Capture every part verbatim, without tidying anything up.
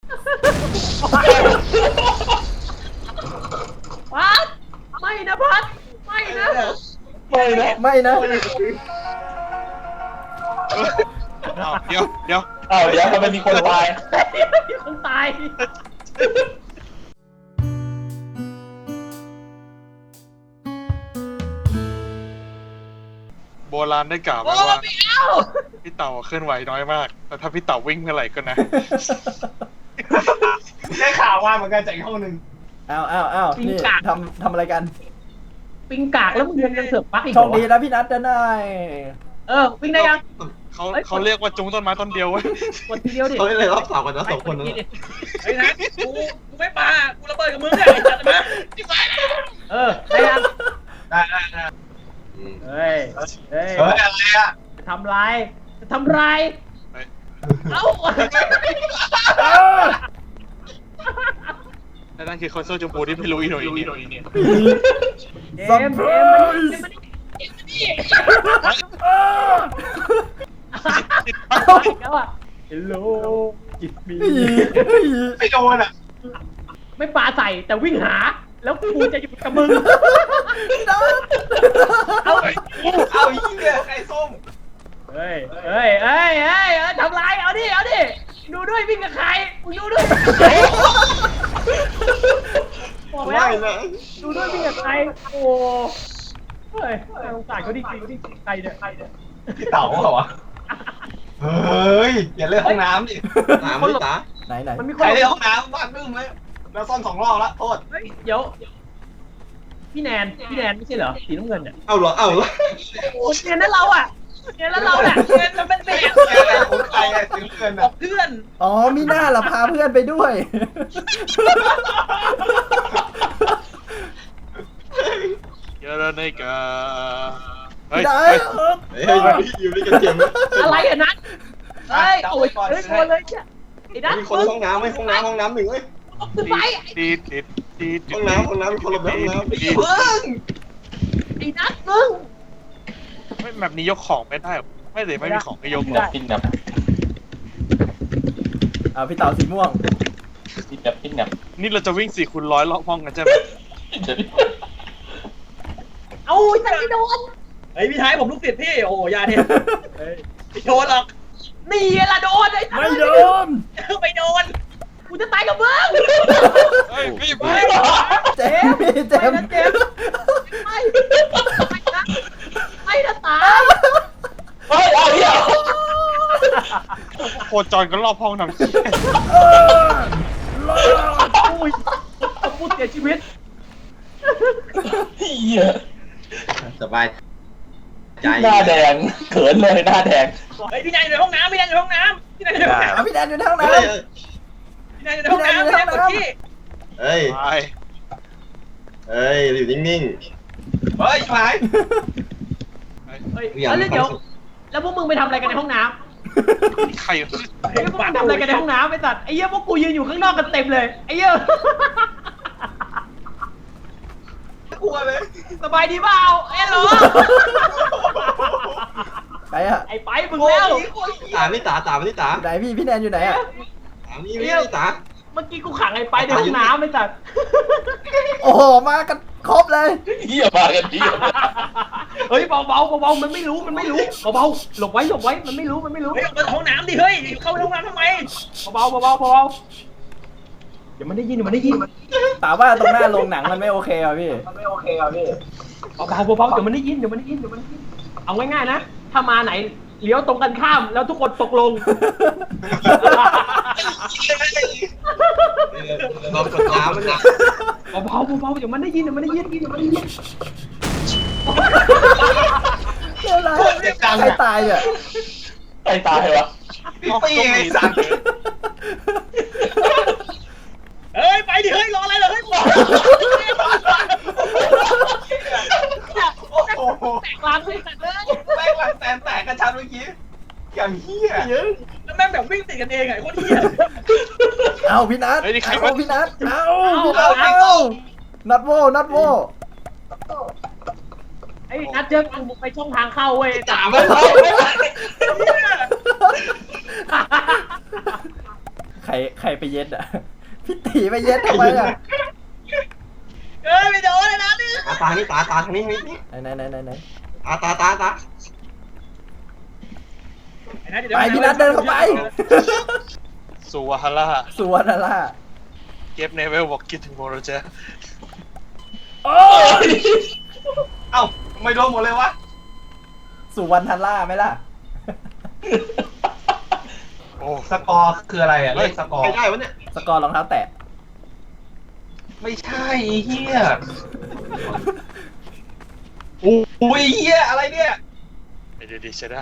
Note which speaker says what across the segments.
Speaker 1: พัดไม่นะพัดไม่นะ
Speaker 2: ไม่นะไม่นะ
Speaker 3: เดี๋ยวเดี๋ยว
Speaker 2: อ้าวเดี๋ยวทำไมมีคนตาย
Speaker 1: มีคนตาย
Speaker 3: โบราณได้กล่าวไว้
Speaker 1: โอ้
Speaker 3: ว่า
Speaker 1: ไม่เอา
Speaker 3: พี่เต่าเคลื่อนไหวน้อยมาก แต่ถ้าพี่เต่าวิ่งเมื่อไหร่ก็นะ
Speaker 4: ได้ข่าวว่าเหมือนกันจากอีกห้องหนึ่ง
Speaker 2: อ้าวอ้าวอ้าวนี่ทำทำอะไรกัน
Speaker 1: ปิงกากแล้วมึงยังยังเสือกปักอีก
Speaker 2: โชคดีนะพี่นัทจะได้
Speaker 1: เออวิ่งได้ยัง
Speaker 3: เขาเขาเรียกว่าจุงต้นไม้ต้นเดียวเว้ย
Speaker 1: กดทีเดียวดิ
Speaker 5: เขาเลยรอบสองกันนะสองคนนั้น
Speaker 1: ไอ้นะกูกูไม่ปากูระเบิดกับมึงเนี่ยจัดมาเออได้ยัง
Speaker 4: ได้ได้ได้
Speaker 1: เฮ้ยเฮ้ย
Speaker 4: เฮ้ยอะไรอ่ะ
Speaker 1: จะทำไรจะทำไรเอ้า
Speaker 3: และนั่นคือคอนโซลชมพูที่พี่ลุยหน่อยเนี่ย
Speaker 1: เอ็มเอ็มมันนี่มันนี่แล้วอ่ะ Hello จิตมี
Speaker 4: ไม่โดนอ่ะ
Speaker 1: ไม่ปาใส่แต่วิ่งหา แล้วกูจะอยู่กับมึง เอา
Speaker 4: เอาอีกเนี่ยไข่ส้ม
Speaker 1: เฮ้ยเฮ้ยเฮ้ยเฮ้ยทำไรเอาดิเอาดิดูด้วยวิ่งกับใครมึงดูด้วยบอกแล้ว ดูด้วยวิ่งกับใครโอ้เฮ้ยสงสารเขาดิจริงดิใครเนี่ยใครเนี่ย
Speaker 4: พี่เต๋าเหรอวะเฮ้ยอย่าเล่นห้องน้ำดิ
Speaker 5: ถามพี่ตา
Speaker 2: ไหนไหน
Speaker 1: มันมีค
Speaker 4: ใคร
Speaker 1: น
Speaker 4: เล่นห้องน้ำบ้านบึ้มเลยแล้วซ่อนสองรอบแล้วโทษ
Speaker 1: เฮ้ยเดี๋ยวพี่แนนพี่แนนไม่ใช่เหรอสีน้ำเงินเนี่ย
Speaker 5: เอาเหรอเอาเหรอ
Speaker 1: โอ้เนียนนั่นเราอ่ะเนียนนั่นเราแหละเนียนมันเป็นเบส
Speaker 4: เอะไรผมใครไงถึงเกิน
Speaker 1: ข
Speaker 4: อ่ะ
Speaker 1: องเพื่อน
Speaker 2: อ๋อมีหน้าละพาเพื่อนไปด้วย
Speaker 3: เยอะแล้วนี่กาเฮ้ย
Speaker 2: ได้
Speaker 5: เฮ้ยอยู่ด้วยกันเจียมนะ
Speaker 1: อะไรอ่ะนัทเฮ้ยโอ้ยเฮ้ยโดนเลยเนี่ยไอ้นัท
Speaker 5: มีคนห้องน้ำไหมห้องน้ำห้องน้ำหนึ่งเว้ย
Speaker 1: ขึ้นไป
Speaker 3: ตีตีตีตี
Speaker 5: ห้องน้ำห้องน้ำมีคนลงไปห้องน้ำ
Speaker 3: ตี
Speaker 4: เพิ่ง
Speaker 1: ไอ้นัทมึง
Speaker 3: ไม่แบบนี้ยกของไม่ได้หรอไม่เลยไม่มีของให้ยก
Speaker 1: ได้
Speaker 2: ปิ้นแบบอ่าพี่เต่าสีม่วงปิ้นแบบปิ้นแบบ
Speaker 3: นี่เราจะวิ่งสี่คูณร้อยรอบห้องกันใช่ไหม
Speaker 1: เอาแต่ไม่โดนเฮ้ยพี่ชายผมลูกศิษย์พี่โอ้ยาเนี่ยไม่โดนหรอกนี่ละโดนไอ้
Speaker 2: ไม่โดน
Speaker 1: ไม่โดนกูจะตายกับมึง
Speaker 3: เฮ้ยพี่
Speaker 1: ไม่
Speaker 3: พี่
Speaker 2: เจมส์เจมส์
Speaker 1: เจมไม่ไม่นะไม่นะตาย
Speaker 2: เฮ้ยเอาเหี้ย
Speaker 3: โคจรก็รอบห้องนำ
Speaker 1: อุ้ยพูดเสียชีวิต
Speaker 2: เหี้ย
Speaker 5: สบายใจ
Speaker 2: หน้าแดงเขินเลยหน้าแดง
Speaker 1: เฮ้ยพี่นายอยู่ในห้องน้ำพี่นายอยู่ในห้องน้ำพี่นายอยู่ในห้องน้
Speaker 2: เอาพี่แดนอยู่ในห้องน้
Speaker 5: เฮ้ย
Speaker 1: ำพี่นายอยู่ในห้องน้ำพี่นายกดที่
Speaker 5: เฮ้ย
Speaker 3: ไป
Speaker 5: เฮ้ยอยู่นิ่ง
Speaker 4: เฮ้ยหาย
Speaker 1: เฮ้ยแล้วเดี๋ยวแล้วพวกมึงไปทำอะไรกันในห้องน้ำ
Speaker 3: ใคร
Speaker 1: ไอ้พวกมึงทำอะไรกันในห้องน้ำไอ้สัตว์ไอ้เหี้ยพวกกูยืนอยู่ข้างนอกกันเต็มเลยไอ้เหี้ย
Speaker 4: กลัวเลย
Speaker 1: สบายดีเปล่าเอ้ยเหรอ
Speaker 2: ำไปอะ
Speaker 1: ไอ้ไปมึงแล้ว
Speaker 5: ๆตามพี่ตาตามพี่ตา
Speaker 2: ไหนพี่พี่แดนอยู่ไหนอะ
Speaker 5: ตามนี่พี่ตา
Speaker 1: เมื่อกี้กูขังไอ้ไปในห้องน้ำไอ้สัตว์
Speaker 2: โอ้โหมากันครบเลยเหี้ยมากันเหี้ย
Speaker 1: เฮ้ยเบาๆเบาๆมันไม่รู้มันไม่รู้เบาๆหลบไว้หลบไว้มันไม่รู้มันไม่รู้เฮ้ยออกมาห้องน้ำดิเฮ้ยเข้าห้องน้ำทำไมเบาๆเบาๆเบาๆเดี๋ยวมันได้ยินเดี๋ยวมันได้ยิน
Speaker 2: ถามว่าตรงหน้าโรงหนังมันไม่โอเคอ่ะพี่
Speaker 1: มันไม่โอเคอ่ะพี่เบาๆเบาๆเดี๋ยวมันได้ยินเดี๋ยวมันได้ยินเดี๋ยวมันได้ยินเอาง่ายๆนะถ้ามาไหนเลี้ยวตรงกันข้ามแล้วทุกคนตกลง
Speaker 5: เรากดน้ำมันเนี่ย
Speaker 1: เบาๆเบาๆเดี๋ยวมันได้ยินเดี๋ยวมันได้ยินเดี๋ยวมันได้ยิน
Speaker 2: อะไรใครตายเนี่ยใครตายวะ
Speaker 4: พี่ปีไอ้สัตว์
Speaker 1: เฮ้ยไปดิเฮ้ยรออะไรเหรอเฮ้ย
Speaker 4: โอ้โห
Speaker 1: แตกลางเลยสัตว์เลย
Speaker 4: แม่งวันแตนแตกกันชันเมื่อกี้อย่างเฮี้ย
Speaker 1: แล้วแม่งแบบวิ่งติดกันเองไงโคตรเหี้ย
Speaker 2: เอาพี่นัท
Speaker 3: เฮ้ยนี่ใคร
Speaker 2: เอา
Speaker 3: วะ
Speaker 2: พี่นัทเอา
Speaker 1: เอา
Speaker 2: เอานัดโวนัดโว
Speaker 1: ไอ้นัดเจอกูไปช่องทางเข้าเว้ย
Speaker 4: ตามไม่เข้าไม่เข้า
Speaker 2: ใใครใครไปเย็ดอ่ะพี่ตีไปเย็ดทำไมอ่ะ
Speaker 1: เอ้ยไม่โดนเลยนะนี่
Speaker 5: ตาตานี่ตาตาทางนี้นี่
Speaker 2: ไหนไหนไหนไหนไหน
Speaker 5: ตาตาตาตา
Speaker 2: ไปพี่นัทเดินเข้าไป
Speaker 3: สุวรรณล่า
Speaker 2: สวนอะไรล่ะ
Speaker 3: เก็บในเวลบอกคิดถึงโมโรเจ
Speaker 2: โอ้ย
Speaker 4: เอ้าไม่โดนหมดเลยวะ
Speaker 2: สุวรรณล่าไหมล่ะ
Speaker 3: โอ้
Speaker 4: สกอร์คืออะไรอ่ะเลขสกอร์
Speaker 5: ใครได้วะเนี่ย
Speaker 2: สกอร์รองเท้าแตะ
Speaker 4: ไม่ใช่ไอ้เฮียโอ้ยเฮียอะไรเนี่ย
Speaker 3: ไม่ได้ดีใช้ได้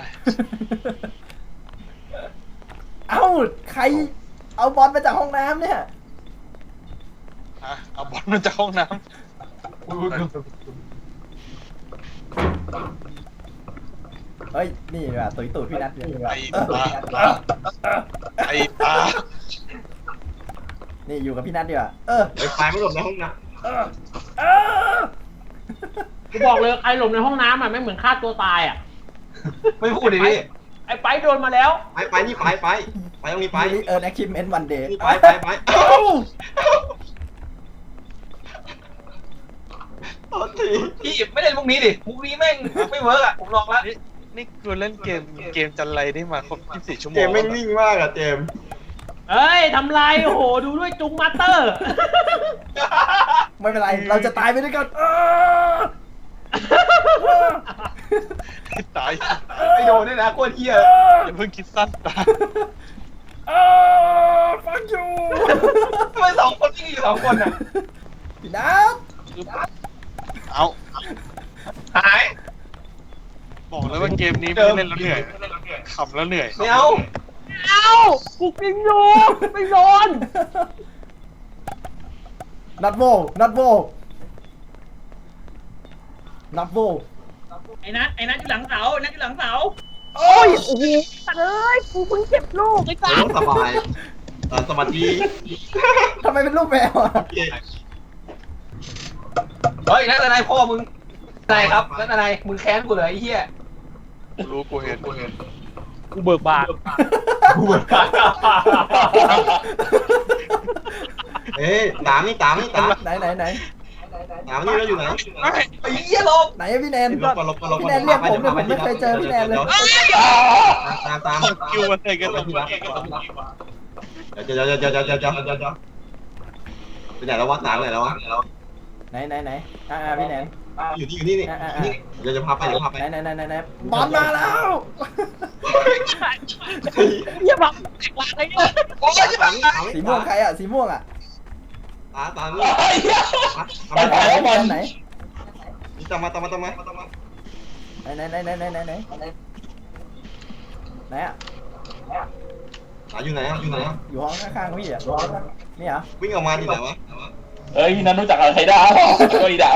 Speaker 2: เอ้าใครเอาบอลมาจากห้องน้ำเนี่ย
Speaker 3: ฮะเอาบอลมาจากห้องน้
Speaker 2: เฮ้ยนี่ว่ะตุยตูดพี่นัทเนี่ย
Speaker 3: ำไอ้ตาไอ้ตา
Speaker 2: นี่อยู่กับพี่นัทดีกว่าเออ
Speaker 5: ไอ้ไฟไม่หลบในห้องน้
Speaker 2: เออเออ
Speaker 1: กูบอกเลยใครหลบในห้องน้ำอ่ะไม่เหมือนฆ่าตัวตายอ่ะ
Speaker 4: ไม่พูดดิพี่
Speaker 1: ไอ้ไปโดนมาแล้ว
Speaker 5: ำไปไปนี่ไปไปไปตรงนี้ไป
Speaker 2: ไปเออแอคคิมเมนต์วันเดย์
Speaker 5: นี่ไปไปไปเอ้าโทษที
Speaker 4: พี่ไม่เล่นมุกนี้ดิมุกนี้แม่งไม่เวิร์กอ่ะผมลองละ
Speaker 3: นี่นี่กูเล่นเกมเกมจันไรได้มาครบยี่สิบสี่ชั่วโม
Speaker 5: เจ
Speaker 3: ง
Speaker 5: มไม่งนิ่งมากอะเจม
Speaker 1: เอ้ยทำลายโอ้โหดูด้วยจุงมาสเตอร์
Speaker 2: ไม่เป็นไรเราจะตายไปด้วยกันเออ
Speaker 3: ตาย
Speaker 4: ไม่โดนด้วยนะโคตรเฮีย
Speaker 3: อย่าเพิ่งคิดสั้นตาย
Speaker 2: เออ fuck you
Speaker 4: ทำไมสองคนนี่อยู่สองคนอ่ะ
Speaker 2: พี่นัท
Speaker 3: เอา
Speaker 4: หาย
Speaker 3: บอกเลยว่าเกมนี้ไม่ได้เล่นแล้วเหนื่อยขำแล้วเหนื่อย
Speaker 4: ไม่เอา
Speaker 1: เอ้ากูกินอยู่ไม่โดน
Speaker 2: นัทโวนัทโวนัทโว
Speaker 1: ไอ้นัทไอ้นัทอยู่หลังเสาไอ้นัทอยู่หลังเสาโอ้ยโอ้โหเอ้ยกูเพิ่งเก็บลูกไอ้สัส
Speaker 5: สบายเออสมาธิ
Speaker 2: ทำไมเป็นรูปแมวอ่ะ
Speaker 5: โอเค
Speaker 4: เฮ้ยนั่นอะไรพ่อมึงอะไรครับนั่นอะไรมึงแค้นกูเลยไอ้เฮีย
Speaker 3: กูรู้กูเห็นกูเห็น
Speaker 1: กูเบิกบาน
Speaker 4: กูเหมือนกัน
Speaker 5: เอ้ยตามนี่ตามนี่ตาม
Speaker 2: ไหนไหนไหน
Speaker 5: ตามนี่เราอยู่ไหน
Speaker 4: ไอ้เฮียลง
Speaker 2: ไหนอะพี่แนน
Speaker 5: ลบก่อนลบก่อนลบก่อน
Speaker 2: พี่แนนเรียกผมเนี่ยผมไม่เคยเจอพี่แนนเลย
Speaker 5: ตามตาม
Speaker 3: คิวมันเลยกันตรงนี้
Speaker 5: เดี๋ยวเดี๋ยวเดี๋ยวเดี๋ยวเดี๋ยวเดี๋ยวเดี๋ยวไปไหนแล้ววะตามไหนแล้ววะ
Speaker 2: ไหนไหนไหนอ่าอ่าพี่แนน
Speaker 5: อยู่นี่อยู่นี่นี่นี่เดี๋ยวจะพาไปเดี๋ยวพาไป
Speaker 2: ไหนไหนไหนไหนไหนบอลมาแล้ว
Speaker 1: อย่าบอกหลังไอ้เนี่ย
Speaker 5: โอ้ยตามนี่ตาม
Speaker 2: สีม่วงใครอ่ะสีม่วงอ่ะ
Speaker 5: ตามตามนี่
Speaker 2: ไหนไหนไหน
Speaker 5: ตามมาตามมาตามมา
Speaker 2: ไหนไหนไหนไหนไหนไหนไหนอ่ะ
Speaker 5: ตาอยู่ไหนอยู่ไหน
Speaker 2: อยู่ห้องข้างๆพี่อ่ะนี่เหรอ
Speaker 5: วิ่งออกมาที่ไหนวะ
Speaker 6: เอ้ยนั่นรู้จักอะไรดาวก็อีดาว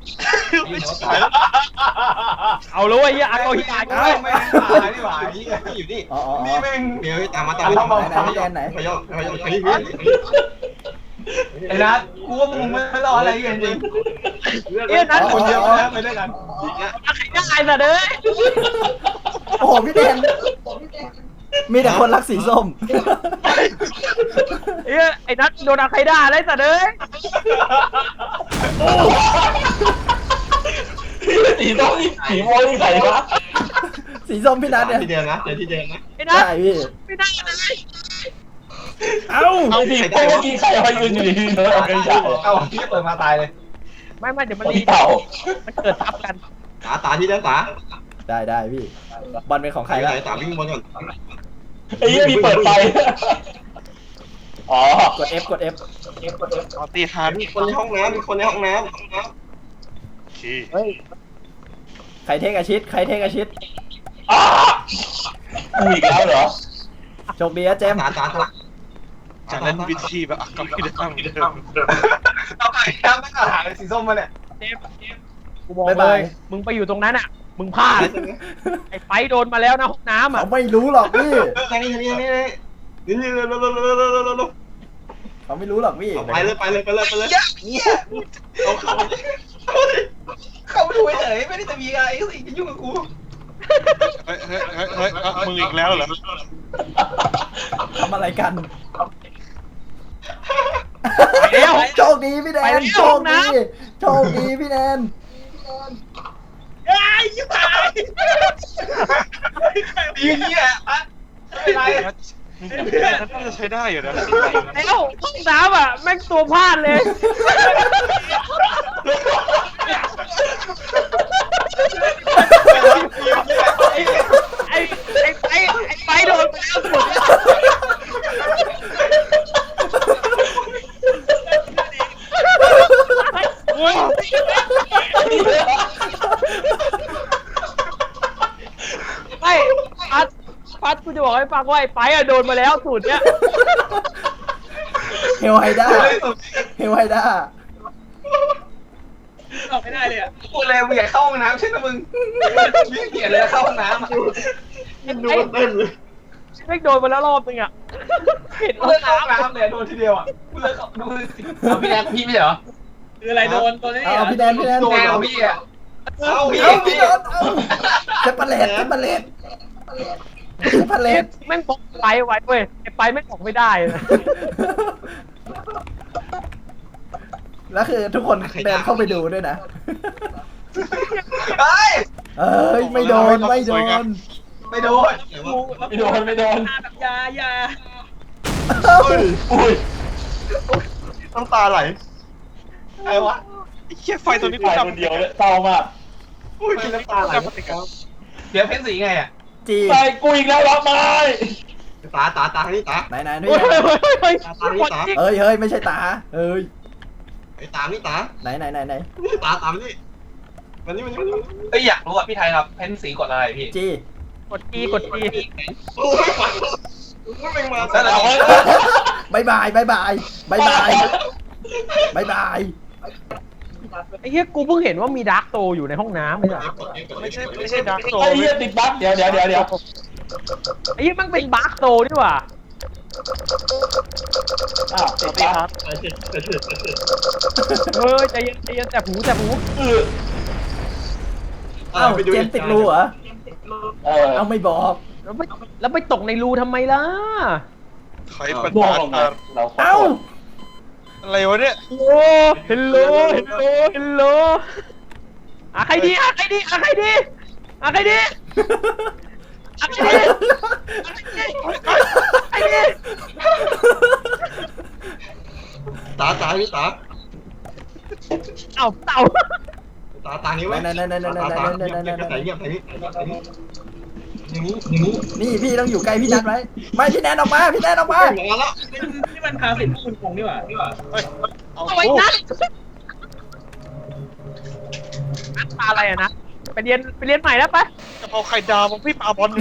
Speaker 1: เอาเลยไอ้เหี้ยเอาฮิตาย
Speaker 4: เฮ้ยไม่ตายนี่หว่า
Speaker 5: นี่อยู่นี่
Speaker 2: อ๋ออ๋อ
Speaker 4: นี่แม่ง
Speaker 5: เดี๋ยวตามมาตามมาตามมาพยอพยอพยอ
Speaker 4: ไอ้นัทกูว่ามึงไม่รออะไรกันจริง
Speaker 1: เอ้ยนัท
Speaker 4: คนเยอะนะไปด้วยกัน
Speaker 1: ใครได้สัตว์เอ้ย
Speaker 2: โอ้โหพี่แนนมีแต่คนรักสีส้ม
Speaker 1: เอ้ยไอ้นัทโดนใครได้ได้สัตว์เอ้ย
Speaker 6: สีส้มนี่สีม่วงนี่ใส่ปะ
Speaker 2: สีส้มพี่นัทเนี่ย
Speaker 5: ที่เดิมนะเดี๋ยวที่เดิมนะ
Speaker 1: ไอ้นัท
Speaker 2: ใช่พี่
Speaker 1: ไม่ได้เลย
Speaker 2: เอ้า
Speaker 6: เอาสีม่วงที่ใครเอายืนอยู่ดีๆเนอะไม่ใช่
Speaker 4: เอาที่เปิดมาตายเลย
Speaker 1: ไม่ไม่เดี๋ยวมัน
Speaker 6: ตี
Speaker 1: รี
Speaker 6: เต่า
Speaker 1: มันเกิดทับกัน
Speaker 5: ตาตาที่เดิมตา
Speaker 2: ได้ได้พี่บอลเป็นของใค
Speaker 5: ใคร
Speaker 2: ร
Speaker 5: ไห
Speaker 2: ละ
Speaker 5: นตาวิ่งบนก่อน
Speaker 6: ไอ้ยี่มีเปิดไฟอ๋อก
Speaker 2: ด F กด F
Speaker 3: เอาตีฮัน
Speaker 5: มีคนในห้องน้ำมีคนในห้องน้ำ
Speaker 3: โอเค
Speaker 2: ใครเทคอาชิตใครเทคอาชิต
Speaker 6: อ้ากูอีกแล้วเหรอ
Speaker 2: โชคดีนะเจมส์
Speaker 5: ตาตาตา
Speaker 3: จะเล่นวิธีแบบก็ไม่ได้ทำเดิม
Speaker 4: เอาไปครับไม่กล้าหาเลยสีส้มมาเนี่ย
Speaker 1: เจมส์เจมส์กูบอกเลย มึงไปอยู่ตรงนั้นอ่ะ มึงพลาด ไอ้ไฟโดนมาแล้วนะห้องน้ำอ่ะ
Speaker 2: เขาไม่รู้หรอกพี่
Speaker 5: ทางนี้ทางนี้ทางนี้นี่นี่เร็วเร็วเร็วเร็วเร็วเร็วเร็ว
Speaker 2: เขาไม่รู้หรอกพี่
Speaker 5: ไปเลยไปเลยไปเลยไปเลยเอาเข้า
Speaker 4: เข้าไปดูเฉยไม่ได้จะมีอะไรสิจะยุ่งกับกู
Speaker 3: เฮ้ยเฮ้ยเฮ้ยเฮ้ยมึงอีกแล้วเหรอ
Speaker 2: ทำอะไรกันคดีพี่แนนโชคดีโชคดีพี่แนน
Speaker 1: ไอ้ยิ่งตาย
Speaker 4: ดีเงี้ยอะไม่ไร
Speaker 3: น่าจะใช้ได้อยู่นะ
Speaker 1: แล้วห้องน้ำอ่ะแม่งตัวพลาดเลยไอ้ไอ้ไอ้ไอ้ไปโดนไปแล้วสุดไม่พัดพัดกูจะบอกให้ฟังว่าไอ้ไปอะโดนมาแล้วสูตรเนี้ย
Speaker 2: เฮลไฮด้าเฮลไฮด้า
Speaker 1: ออกไม่ได้เลยอ่ะ
Speaker 4: พูดเลยมึงอยากเข้าห้องน้ำใช่ไหมมึงยิ่งเกลียดเลยเข้าห้องน้ำ
Speaker 5: ดูมันเต้นเลย
Speaker 1: ไม่โดนมาแล้วรอบนึงอ่ะเห็น
Speaker 4: เลิกเข้าห้องน้ำเลยโดนทีเดียวอ่ะกูเลิกเข้าดูสิเอาพี่แนนพี่ไม่เหรอ
Speaker 1: คืออะไรโดนตัวนี้
Speaker 2: เอาพี่แนนพี่แนน
Speaker 4: โดนเอาพี่อ่ะ
Speaker 5: เอาพี่
Speaker 2: เอาพี่แนนเอาเซปเปอร์เลตเซปเปอร์เลตเซปเปอร์เลต
Speaker 1: แม่งบอกไปไว้เว้ยไอ้ไปแม่งออกไม่ได้นะ
Speaker 2: แล้วคือทุกคนเดินเข้าไปดูด้วยนะ
Speaker 4: เฮ้ย
Speaker 2: เอ้ยไม่โดนไม่โดน
Speaker 4: ไม่โดน
Speaker 6: ไม่โดนไม่โดน
Speaker 1: แบบยายา
Speaker 2: เอ้า
Speaker 6: อุ้ย
Speaker 5: น้ำตาไหล
Speaker 4: ใครวะ
Speaker 3: ไอ้เหี้ยไฟตัวนี้
Speaker 6: ตายคนเดียวเลยเศร้ามาก
Speaker 5: อุ้ยน้ำตาไหล
Speaker 4: เดี๋ยวเพ้นสีไงอ่ะ
Speaker 2: จี
Speaker 6: ตายกูอีกแล้วรับไม้
Speaker 5: ตาตาตาที่ตา
Speaker 2: ไหนไหนนี่
Speaker 1: เฮ้ยเฮ้ยเฮ้ย
Speaker 5: ตาตาที่ตา
Speaker 2: เอ้ยเฮ้ยไม่ใช่ตาเอ้ย
Speaker 5: ไอ้ตานี่ตา
Speaker 2: ไหนไหนไหนไหน
Speaker 5: ตาตานี่มันนี่มันนี่
Speaker 4: เอ้ยอยากรู้อ่ะพี่ไทยครับเพ้นสีกดอะไรพี่
Speaker 2: จี
Speaker 1: กดจีกดจี
Speaker 5: โอ้ยฝันไม่เป็นมา
Speaker 4: แล้วเรา
Speaker 2: บายบายบายบายบายบายบายบาย
Speaker 1: ไอ้เหี้ยกูเพิ่งเห็นว่ามีดาร์กโซอยู่ในห้องน้ำเลยอะ
Speaker 3: ไม่ใช่ไม่ใช่ดาร์กโซ
Speaker 6: ไอ้เหี้ยติดบั๊กเดี๋ยวเดี๋ยวเดี๋ยวเดี๋ยว
Speaker 1: ไอ้เหี้ยมันเป็นบาร์กโซนี่หว่า
Speaker 6: อ้าวติดบั๊ก
Speaker 1: เฮ้ยใจเย็นใจเย็นแต่หูแต่หู
Speaker 6: เออ
Speaker 2: เอ้าเจมส์ติดรูเหรอ
Speaker 6: เออ
Speaker 2: เอาไม่บอก
Speaker 1: แล้วไปแล้วไปตกในรูทำไมล่ะ
Speaker 3: ใครเป็น
Speaker 6: บอก
Speaker 3: บา
Speaker 6: ลงไง
Speaker 3: ร์
Speaker 6: เราขอ
Speaker 2: เอ้า
Speaker 6: โทษ
Speaker 3: อะไรวะเนี่ย
Speaker 1: โอ้เฮลโลเฮลโลเฮลโลอะใครดีอะใครดีอะใครดีอะใครดีอะใครดีใครดี
Speaker 5: ตาตานี่ตา
Speaker 1: เต่าเต่า
Speaker 5: ตาตานี้ไว้ตาตาเงียบเงียบใส่เงียบใส่นี่อย่างนี้อย่างนี้
Speaker 2: นี่พี่ต้องอยู่ใกล้พี่แนนไว้ไม่พี่แนนออกมาพี่แนนออกมา
Speaker 5: มาแล้ว
Speaker 1: นี่มันพาสิทธิ์คุณคงนี่หว่านี่หว่า
Speaker 3: เฮ้ยเอา
Speaker 1: เอาไว้นะนักตาอะไรอะนะไปเรียนไปเรียนใหม่แล้วปะ
Speaker 3: กะเพราไข่ดาวของพี่ปาบอล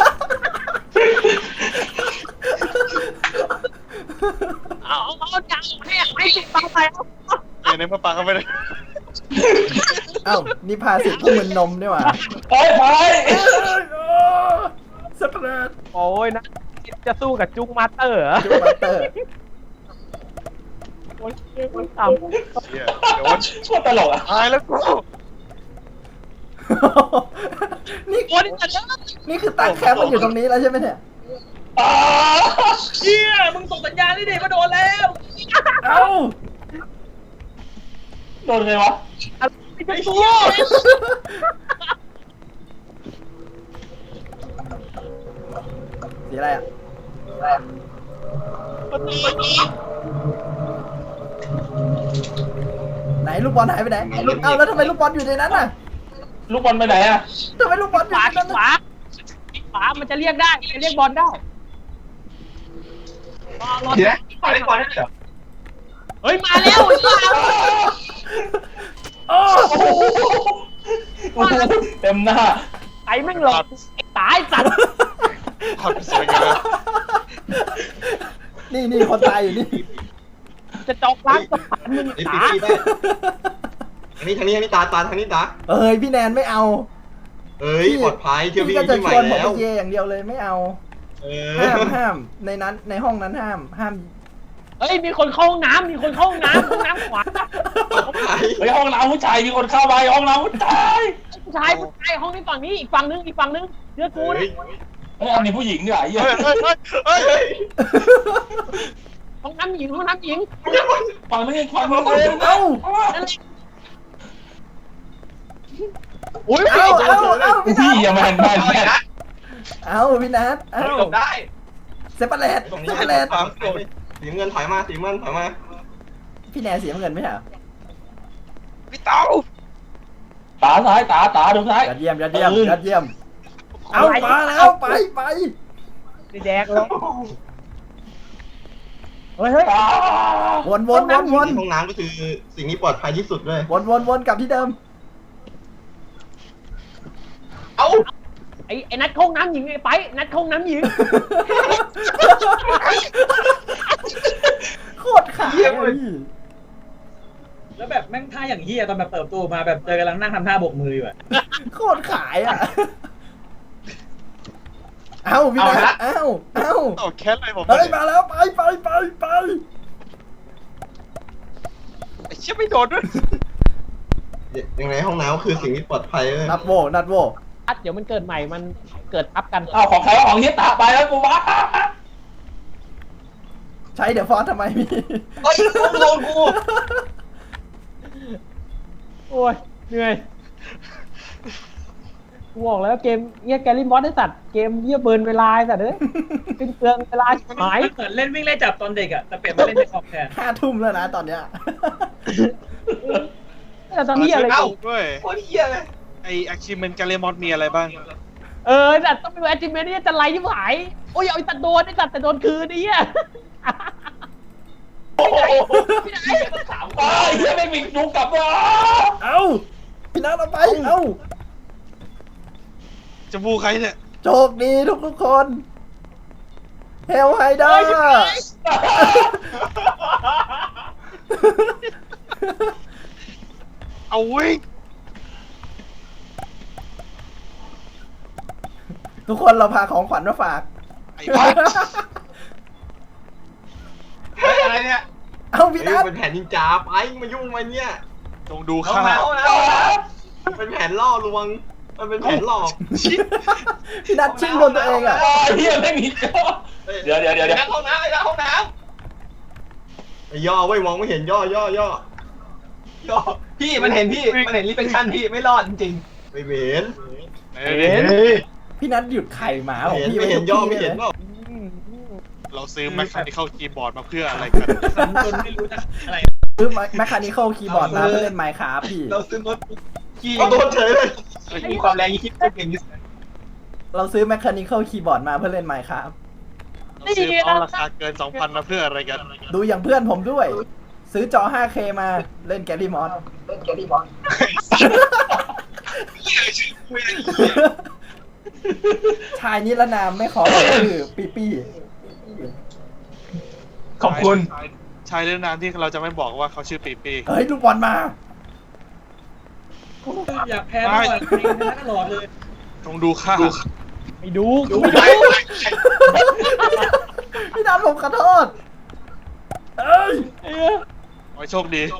Speaker 1: เอาเอาเอาจังให้ให้สิทธิ์ตาไปเอา
Speaker 3: เดี๋ยวในเมื่อปาก็ไม่ได้
Speaker 2: เอ้านี่พาสิทธิ์ผู้มึนนมด้วยว่ะ
Speaker 6: เฮ้ยไป
Speaker 2: สเปรด
Speaker 1: โอ้ยนะจะสู้กับจุ๊กมาสเตอร์เหรอ
Speaker 2: จุ๊กมาสเตอร์
Speaker 1: โอ้ยโอ้ยต่ำ
Speaker 3: เหี้ยเดี๋ยวว่า
Speaker 6: โคตรตลกอ่ะ
Speaker 3: ตายแล้วกู
Speaker 2: นี่
Speaker 1: โอ้ยนี่จะเลิก
Speaker 2: นี่คือตั้งแคมป์มันอยู่ตรงนี้แล้วใช่ไหมเนี่ย
Speaker 6: อ้า
Speaker 1: เฮียมึงส่งสัญญาณนี่ดิมาโดนแล้ว
Speaker 2: เอ้า
Speaker 6: โดนไงวะ
Speaker 1: อะไรจะตัว
Speaker 2: สีอะไรอ่ะไหนลูกบอลหายไปไหนเอ้าแล้วทำไมลูกบอลอยู่ในนั้นน่ะ
Speaker 6: ลูกบอลไปไหนอ่ะ
Speaker 2: ทำไมลูกบอลอ
Speaker 1: ข
Speaker 2: ยู่
Speaker 1: วา
Speaker 2: ใน
Speaker 1: ที่
Speaker 2: นั้น
Speaker 1: ขวาขวามันจะเรียกได้จะเรียกบอลได้รอรอ
Speaker 4: เดี๋ยวขอเล่นบอลได้เหรอ
Speaker 1: เฮ้ยมาแล้วมาแล้ว
Speaker 2: โอ้
Speaker 6: โอ้โหเต็มหน้า
Speaker 1: ไอ้แม่งหลอกไอ้ตายสัตว์
Speaker 3: ทำสวยกันเลย
Speaker 2: นี่นี่คนตายอยู่นี่
Speaker 1: จะจอกล้างสะพานมึง
Speaker 5: ไอ้
Speaker 1: ตา
Speaker 5: ปีได้อันนี้ทางนี้อันนี้ตาตาทางนี้ตา
Speaker 2: เอ้ยพี่แนนไม่เอา
Speaker 5: เอ้ยปลอดภัยเที่ยว
Speaker 2: พี่
Speaker 5: วิ่
Speaker 2: ก็
Speaker 5: ง
Speaker 2: จะ
Speaker 5: ที่ให
Speaker 2: ช
Speaker 5: ม่
Speaker 2: วนผม
Speaker 5: แล้
Speaker 2: ไป
Speaker 5: ว
Speaker 2: เยอย่างเดียวเลยไม่เอา
Speaker 5: เอ
Speaker 2: ห้าม
Speaker 5: อ
Speaker 2: ห้ามในนั้นในห้องนั้นห้ามห้าม
Speaker 1: เฮ้ยมีคนเข้าห้องน้ำมีคนเข้าห้องน้ำห้องน้ำขวา
Speaker 6: เฮ้ยห้องน้ำผู้ชายมีคนเข้าไปห้องน้ำผู้ชาย
Speaker 1: ผู้ชายผู้ชายห้องนี้ฝั่งนี้อีกฝั่งนึงอีกฝั่งนึงเชื่อกู
Speaker 5: เฮ้
Speaker 1: นะ
Speaker 5: ย
Speaker 6: เฮ้ยอันนี้ผู้หญิงด้วยไอ้เหี้ย
Speaker 3: เฮ้ยเฮ้ยเฮ้ยเฮ้ย
Speaker 1: ห้องน้ำหญิงห้องน้ำหญิง
Speaker 6: ฟังไม่ได้ฟังไม่ได้
Speaker 2: เอ้า
Speaker 1: อุ้ย
Speaker 2: เอ้าเอ้าเอ้าพี่นั
Speaker 6: พี่
Speaker 2: ท
Speaker 6: อย่ามาหันมา
Speaker 4: เอาอีกนะ
Speaker 2: เอ้าพี่นัทเอ้า
Speaker 4: หลบได้
Speaker 2: เซปเปอร์เลต
Speaker 5: ตรง
Speaker 2: เซ
Speaker 5: นี้
Speaker 2: ปเปอร์เลต
Speaker 5: สีเงินถอยมาสีเงินถอยมา
Speaker 2: พี่แนนเสียเงินไหมเหรอ
Speaker 3: พี่เต้า
Speaker 6: ตาซ้ายตาตาดูซ้าย
Speaker 2: ยอดเยี่ยมยอดเยี่ยมยอดเยี่ยมเอามาแล้วไปไป
Speaker 1: แดกแล้วเฮ้ยเฮ้ย
Speaker 2: วนวนวนวน
Speaker 5: ห้องน้ำก็คือสิ่งที่ปลอดภัยที่สุดเลย
Speaker 2: วนวนวนกลับที่เดิม
Speaker 5: เอ้า
Speaker 1: ไอ้ไอ้นัดห้องน้ำหญิงไอ้ไปนัดห้องน้ำหญิง
Speaker 2: โคตรขายเลย
Speaker 7: แล้วแบบแม่งท่าอย่างเฮียตอนแบบเปิดประตูมาแบบเจอกำลังนั่งทำท่าโบกมืออยู่อะ
Speaker 2: โคตรขายอ่ะเอ้าพี่นัทเอ้าเอ้า
Speaker 3: โอ้แค่อะไรผม
Speaker 2: เฮ้ยมาแล้วไปไปไปไป
Speaker 3: ไอ้เชี่ยไม่โดนด้วย
Speaker 5: ยังไงห้องน้ำคือสิ่งที่ปลอดภัยเลย
Speaker 2: นัดโวนัดโว
Speaker 1: อัดเดี๋ยวมันเกิดใหม่มันเกิดทับกัน
Speaker 6: เอาของใครของเฮียตาไปแล้วกูวะ
Speaker 2: ใช้เดี๋ยวฟอนต์ทำไมพี่
Speaker 5: เฮ้ยโดนกู
Speaker 1: โอ้ยเหนื่อยกูบอกแล้วเกมเงี้ยแกลลี่มอสได้สัตว์เกมเยี่ยเบิร์นเวลาสัตว์เอ้ยเป็นเปลืองเวลาหาย
Speaker 7: เหมือนเล่นวิ่งไล่จับตอนเด็กอะแต่เปลี่ยนมาเล่นในคอมแทน
Speaker 2: ห้าทุ่มแล้วนะตอนเนี้ย
Speaker 1: แต่ตอนนี้อะไร
Speaker 3: เอ้า
Speaker 1: กู
Speaker 3: ด้วย
Speaker 5: โคตรเหี้ยเลย
Speaker 3: ไอ achievement กาเลมอนมีอะไรบ้าง
Speaker 1: เออแต่ต้องเป็นแอจิเมนต์นี่จะไล่ที่หายโอ้ยเอาไอ้ตัดโดนไอ้ตัดแต่โดนคืนไอ้เหี้ย
Speaker 6: โอ้โหถามไปเฮียไม่มีจุกกลับวะ
Speaker 2: เอ้าพี่นัทเอาไปเอ้า
Speaker 3: จะบูใครเนี่ย
Speaker 2: โชคดีทุกทุกคนเฮลไฮเดอร์
Speaker 3: เอาวิ่ง
Speaker 2: ทุกคนเราพาของขวัญมาฝาก
Speaker 3: ไอ้บ้า
Speaker 4: เฮ้ยอะไรเนี่ย
Speaker 2: เอาพี่
Speaker 5: เฮ้
Speaker 2: นั
Speaker 5: ย
Speaker 2: ท
Speaker 5: เป็นแผนนินจาไปมายุ่งมาเนี่ย
Speaker 3: จงดู
Speaker 4: เข้า
Speaker 3: ข้า
Speaker 4: มาเข้ามาเข้ามา
Speaker 5: เป็นแผนล่อลวงมันเป็นแผนหลอก
Speaker 2: พี่นัทชิงโดนตัวเองอ่ะ
Speaker 6: เฮียไม่มีเดี๋ยวเดี๋ยวเดี๋ยวเดี๋ยว
Speaker 4: ในห้องน้ำในห้องน้
Speaker 5: ไอ้ย่อไว้ยมองไม่เห็นย่อย่อย่อ
Speaker 4: ำย่อพี่มันเห็นพี่มันเห็นรีเฟคชั่นพี่ไม่รอดจริง
Speaker 5: ไม่เห็น
Speaker 3: เห็น
Speaker 2: พี่นัทหยุดไข่หมาของ
Speaker 5: เห็น
Speaker 2: พี่
Speaker 5: ไม่เห็นย่อไม่เห็นเปล่า
Speaker 3: เราซื้อ mechanical keyboard มาเพื่ออะไรกัน
Speaker 7: จนไม่รู้จะอะไร
Speaker 2: ซื้อแมคคานิคอลคีย์บอร์ดมาเพื่อเล่นไมค์ครับพี่
Speaker 4: เราซื้อโน้ตบุ๊กที่
Speaker 5: เอาโดนเฉยเลย
Speaker 4: มีความแรงยี่สิบเก่งที่สุด
Speaker 2: เราซื้อแมคคานิคอลคีย์บอร์ดมาเพื่อเล่นไมค์ครับ
Speaker 3: เราซื้อเอาราคาเกิน สองพัน มาเพื่ออะไรกัน
Speaker 2: ดูอย่างเพื่อนผมด้วย ซื้อจอ ไฟว์เค มาเล่นแกลลี่มอสชายนิรนามไม่ขอเอ่ยชื่อปีปี้
Speaker 4: ขอบคุณ
Speaker 3: ชายเรื่องนามที่เราจะไม่บอกว่าเขาชื่อปีปี
Speaker 2: เฮ้ยลูกบอลมา
Speaker 7: อยากแพ้ตลอดแพ้ตลอดเลย
Speaker 3: จงดูข้า
Speaker 1: ไม่ดูกูไม่ดู
Speaker 2: พี่นัทผมขอโทษเอ้ย
Speaker 1: เออ
Speaker 3: ขอให้โชคดี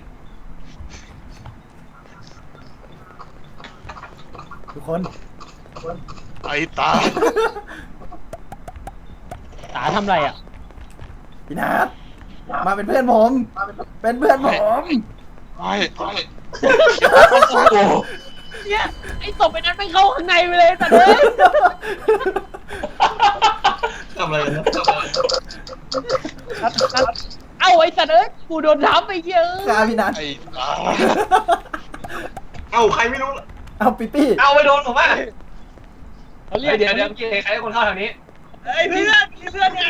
Speaker 2: ทุกคน
Speaker 3: ไอ้ตา
Speaker 1: ตาทำไรอ่ะ
Speaker 2: พี่นัทมาเป็นเพื่อนผม เป็นเพื่อนผม
Speaker 3: ไม่ไม่
Speaker 1: เนี่ยไอ้ศพไอ้นั้นไม่เข้าข้างในไปเลยแต่เด้ย
Speaker 5: ทำอะไรกันนะ
Speaker 1: เอ้าไอ้สัตว์เอ้ยกูโดนทับไปเยอะ
Speaker 2: กล้าพี่นัท
Speaker 3: ไอ้ตา
Speaker 5: เอ้าใครไม่รู้
Speaker 2: เอาปีปี้
Speaker 4: เอาไปโดนผมอ่ะ
Speaker 1: เขาเรี
Speaker 4: เดี๋
Speaker 1: ย
Speaker 4: ย
Speaker 1: ก
Speaker 4: วเดี๋ยวเดี๋ยวใครให้คนเข้าทางนี้
Speaker 7: เฮ้ยเพื่อนเพื่อนไง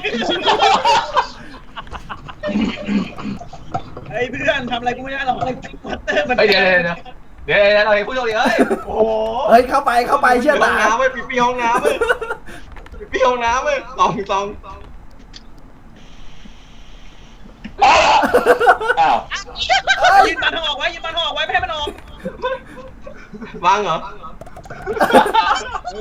Speaker 7: เฮ้ยเพื่อนทำอะไรกูไม่ได้หรอกวัตเตอร์มัน
Speaker 4: เฮ้ยเดี๋ยวเดี๋ยวเดี๋ยวเดี๋ยวเดี๋ยวเราให้ผู้โชคดีเอ้ย
Speaker 5: โอ้โห
Speaker 2: เฮ้ยเข้าไปเข้าไปเชื่อ
Speaker 5: ห้อง
Speaker 2: ตา
Speaker 5: น้ำเว้ยปีปีห้องน้ำเว้ยปีปีห้องน้ำเว้ยตองตอง
Speaker 6: อ้าว
Speaker 2: เอ้ย
Speaker 7: ยืนมันออกไว้ยืนมันออกไว้ไม่ให้มันออก
Speaker 5: วางเหรอ
Speaker 3: โอ้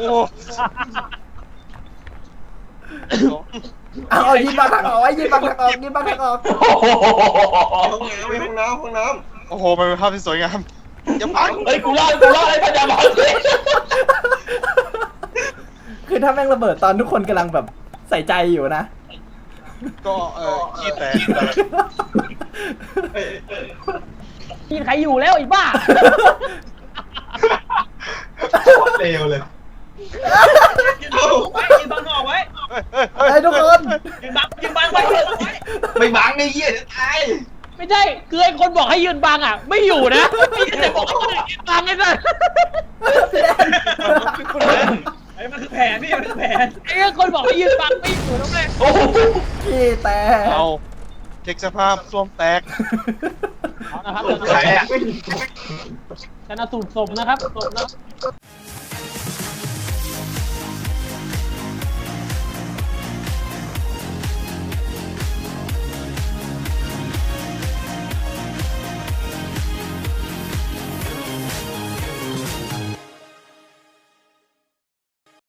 Speaker 2: เอาเอายิงบางทางออกไว้ยิงบางทางออกยิงบางทางออก
Speaker 5: ห้องน้ำเว้ยห้องน้ำห้องน้
Speaker 3: โอ้โหมันเป็นภาพที่สวยงามอย่าพัง
Speaker 6: เฮ้ยกูรอดกูรอดไอ้พญาบาลสิ
Speaker 2: คือถ้าแม่งระเบิดตอนทุกคนกำลังแบบใส่ใจอยู่นะ
Speaker 3: ก็เออขี้แตก
Speaker 5: เอ้ย
Speaker 1: กินใครอยู่แล้วไอ้บ้า
Speaker 5: โคตรเลวเลย
Speaker 7: ยืนบังไว้ยืนบังนอกไว้
Speaker 2: ไอ้ทุกคน
Speaker 7: ยืนบังยืนบังไว้ยืนบังไว้
Speaker 5: ไม่บังในเหี้ยจะตาย
Speaker 1: ไม่ใช่คือไอ้คนบอกให้ยืนบังอ่ะไม่อยู่นะพี่แต่บอกให้คนอื่นยืนบังไอ้สัส
Speaker 7: ไอ้มันคือแผนพี่มันคือแผน
Speaker 1: ไอ้คนบอกให้ยืนบังไม่อยู่แล้วไง
Speaker 6: โอ้โห
Speaker 2: ขี้แตก
Speaker 3: เอาเช็คสภาพส้วมแตก
Speaker 1: เอานะครับ
Speaker 5: ใครอ่ะ
Speaker 1: ชนะสูตรศพนะครับศพนะ